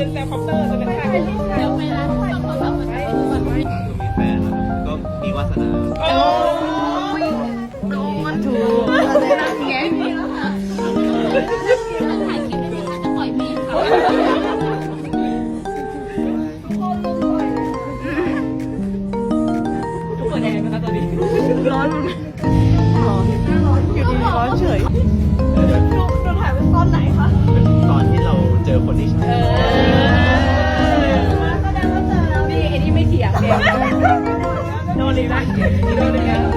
เป็นแซลคอปเตอร์จะเป็นท่าเดี๋ยวเวลาทุกคนเขาแบบไปมีแฟนก็มีวาสนาโอ้ยโดนถูกแกมีแล้วค่ะถ่ายคลิปได้ไหมคะจะปล่อยเพลงค่ะทุกคนยังไงไหมคะตอนนี้ร้อนอยู่ดีร้อนเฉยเราถ่ายไว้ตอนไหนคะตอนที่เราเจอคนที่ใช่แสดงว่าเจอแล้วนี่ไอ้นี่ไม่เถียงเนี่ยโดนเลยนะโดนเลยนะ